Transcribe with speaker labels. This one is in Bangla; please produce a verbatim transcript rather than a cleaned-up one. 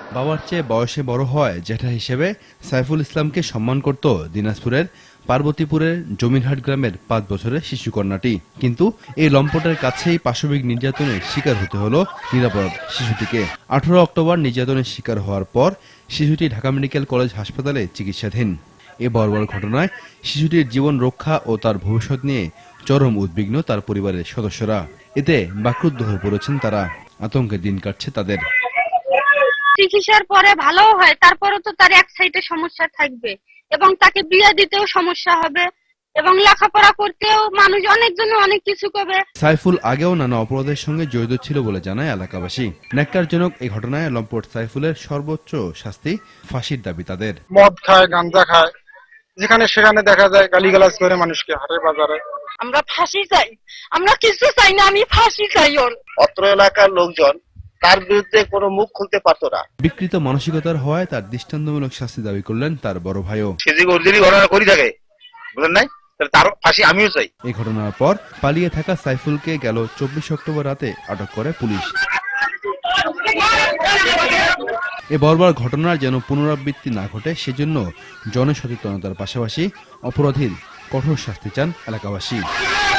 Speaker 1: বাবার চেয়ে বয়সে বড় হয় জ্যাঠা হিসেবে সাইফুল ইসলামকে সম্মান করত দিনাজপুরের পার্বতীপুরের জমিরহাট গ্রামের পাঁচ বছরের শিশুকন্যাটি। কিন্তু এই লম্পটের কাছেই পাশবিক নির্যাতনের শিকার হতে হলো নিরাপরাধ শিশুটিকে। আঠারো অক্টোবর নির্যাতনের শিকার হওয়ার পর শিশুটি ঢাকা মেডিকেল কলেজ হাসপাতালে চিকিৎসাধীন। এ বর্বর ঘটনায় শিশুটির জীবন রক্ষা ও তার ভবিষ্যৎ নিয়ে চরম উদ্বিগ্ন তার পরিবারের সদস্যরা। এতে বাক্রুদ্ধ হয়ে পড়েছেন তারা। আতঙ্কে দিন কাটছে তাদের।
Speaker 2: চিকিৎসার পরে ভালো হয়, তারপরে তো তার এক সাইডে সমস্যা থাকবে এবং তাকে বিয়ে দিতেও সমস্যা হবে এবং লেখাপড়া করতেও মানুষ অনেকজন অনেক কিছু করবে।
Speaker 1: সাইফুল আগেও নানা অপরাধের সঙ্গে জড়িত ছিল বলে জানায় এলাকাবাসী। ন্যাক্কারজনক এই ঘটনায় লম্পট সাইফুলের সর্বোচ্চ শাস্তি ফাঁসির দাবি তাদের।
Speaker 3: মদ খায়, গাঁজা খায়, যেখানে সেখানে দেখা যায় গালিগালাজ করে মানুষকে হাটে বাজারে।
Speaker 2: আমরা ফাঁসি চাই, আমরা কিছু চাই না, আমি ফাঁসি চাই। ওর
Speaker 4: অত্র এলাকার লোকজন তার বিরুদ্ধে কোনো মুখ খুলতে পারতো না।
Speaker 1: বিকৃত মানসিকতার হওয়ায় তার দৃষ্টান্তমূলক শাস্তি দাবি করলেন তার বড় ভাইও।
Speaker 4: সে যে অরিজিনালি ঘটনা করি থাকে, বুঝলেন নাই, তার ফাঁসি আমিও চাই।
Speaker 1: এই ঘটনার পর পালিয়ে থাকা সাইফুলকে গেল চব্বিশ অক্টোবর রাতে আটক করে পুলিশ। এ বর্বর ঘটনার যেন পুনরাবৃত্তি না ঘটে সেজন্য জনসচেতনতার পাশাপাশি অপরাধীর কঠোর শাস্তি চান এলাকাবাসী।